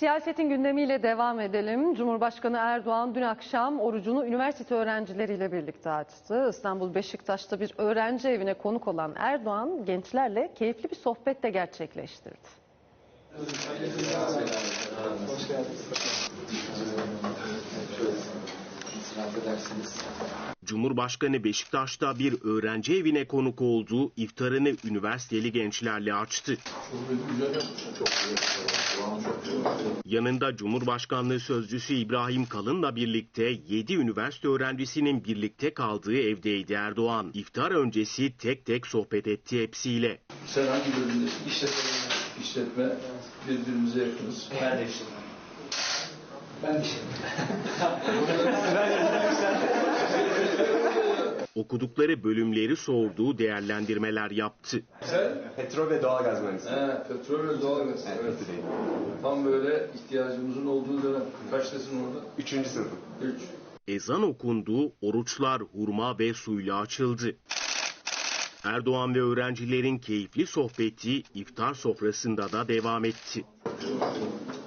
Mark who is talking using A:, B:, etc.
A: Siyasetin gündemiyle devam edelim. Cumhurbaşkanı Erdoğan dün akşam orucunu üniversite öğrencileriyle birlikte açtı. İstanbul Beşiktaş'ta bir öğrenci evine konuk olan Erdoğan gençlerle keyifli bir sohbet de gerçekleştirdi.
B: Hoş geldiniz.
C: Cumhurbaşkanı Beşiktaş'ta bir öğrenci evine konuk oldu, iftarını üniversiteli gençlerle açtı. Yanında Cumhurbaşkanlığı Sözcüsü İbrahim Kalın'la birlikte 7 üniversite öğrencisinin birlikte kaldığı evdeydi Erdoğan. İftar öncesi tek tek sohbet etti hepsiyle.
B: Sen hangi bölümdesin? İşletme. Birbirimize yakınız.
D: Ben de işletme. Ben de işletme.
C: Okudukları bölümleri sorduğu değerlendirmeler yaptı.
B: Sen?
E: Petrol ve doğalgaz mühendisliği.
B: Petrol ve doğalgaz. Evet. Tam böyle ihtiyacımızın olduğu dönem. Kaçtasın orada?
E: 3. sınıfım.
B: 3.
C: Ezan okundu, oruçlar hurma ve suyla açıldı. Erdoğan ve öğrencilerin keyifli sohbeti iftar sofrasında da devam etti.